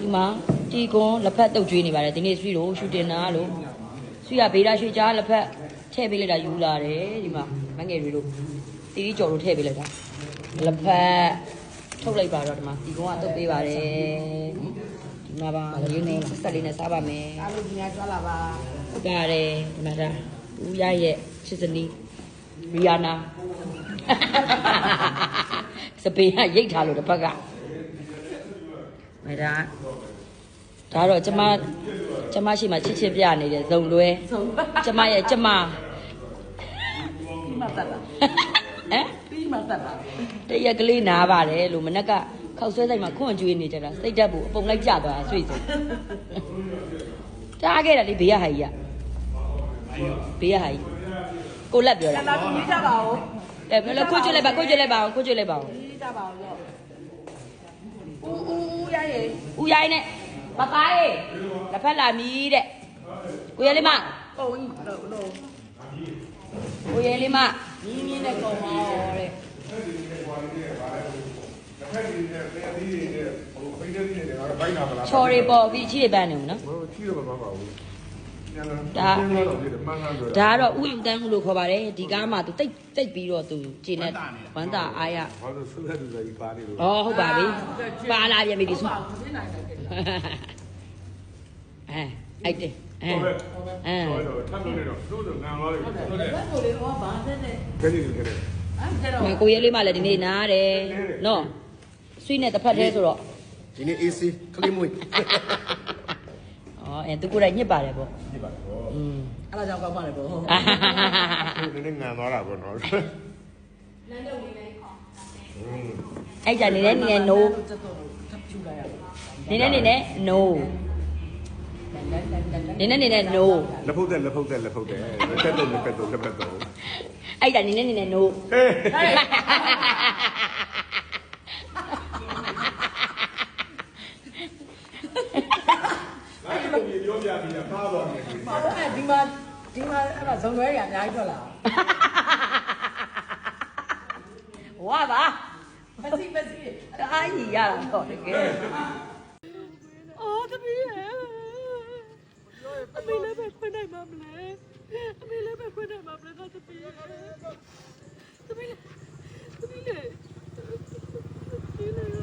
ဒီမှာတီကွန်လက်ဖက်တုပ်ကျွေးနေပါတယ်ဒီနေ့ဆွီတို့ရှူတင်တာလို့ဆွီကဗေဒရွှေကြားလက်ဖက်ထည့်ပေးလိုက်တာယူလာတယ်ဒီမှာမငယ်တွေတို့တီတီကျော်တို့ထည့်ပေးလိုက်တာလက်ဖက်ထုတ်လိုက်ပါတော့ဒီမှာတီကွန်ကတုပ်ပေးပါတယ်ဒီမှာပါလေးနဲ့ဆက်လေးနဲ့စားပါမယ်အားလုံးဒီညကြွားလာပါဟုတ်ပါတယ်ဒီမှာဒါဦးရရဲ့ချစ်စနီးရီယာနာစပင်းကရိတ်ထားလို့တစ်ဖက်ကမဲဒါတော့ကျမရှိမှချစ်ချစ်ပြနေတယ်ဇုံလွဲကျမရဲ့ကျမပြီးမှတက်လာဟမ်ပြီးမှတက်လာတရက်ကလေးနားပါတယ်လို့မနက်ကခောက်ဆွဲဆိုင်မှာခွန့်ကျွေးနေကြတာစိတ်တက်ဖို့အပုံလိုက်ကျသွားဆွေစုံတားခဲ့တာလေဘေးရဟာကြီးကဘေးရဟာကြီးကိုလက်ပြောတာလာပြီးကြပါဦးဘယ်လိုခွန့်ကျွေးလိုက်ပါခွန့်ကျွေးလိုက်ပါအောင်ပြီးကြပါဦးလို့ဦးရရဲ့နဲ့ပပရေလက်ဖက်လာမီးတဲ့ကိုရဲလေးမပုံကြီးလို့ကိုရဲလေးမမြင်းမြင်းနဲ့ကုန်ပါတော့တဲ့ချော်ရီပေါ်ပြီးချီးရပန်းနေဦးနော်ချီးရပါပါဘူးဒါကတော့ဥယျာဉ်တန်းမှုလို့ခေါ်ပါတယ်ဒီကားမှာသူတိတ်ပြီးတော့သူခြေနဲ့ဝမ်းသာအားရဘာလို့ဆွဲသူလည်းပါနေလို့ဩဟုတ်ပါပြီပါလာပြန်ပြီဒီစုအဲ့တဲ့ထပ်လို့နေတော့တို့ငန်သွားတယ်ဟုတ်တယ်ဘက်ကိုလေဟောဘာတဲ့နဲ့ကြည့်ကြည့်ကြည့်အဲ့ကိုရဲလေးမလည်းဒီနေ့နားတယ်နော်ဆွေးနဲ့တစ်ဖက်သေးဆိုတော့ဒီနေ့ AC ခလေးမွေးသူကိုယ်တိုင်ညစ်ပါတယ်ပေါ့ညစ်ပါတယ်ပေါ့အဲ့ဒါကြောင့်ကောက်ပါလေပေါ့ဟုတ်နည်းနည်းငံသွားတာပေါ့နော်လမ်းတော့နေနေခေါ်အဲ့ကြနေနေနိုးနေနေနိုးနေနေနိုးလက်ဖုတ်တဲ့လက်ဖုတ်တဲ့လက်ဖက်တော့အဲ့ကြနေနေနိုးပြောပြပြီးတာဖားသွားတယ်။ဟုတ်ကဲ့ဒီမှာအဲ့ဒါဇုံလွဲရအများကြီးထွက်လာ။ဝါပါ။မစီအားကြီးရတာတော့တကယ်။အော်တပီးရဲ့။အမေလည်းပဲခွင့်နိုင်မှာမလဲ။အမေလည်းပဲခွင့်နိုင်မှာမလဲတပီးရဲ့။တပီးလေ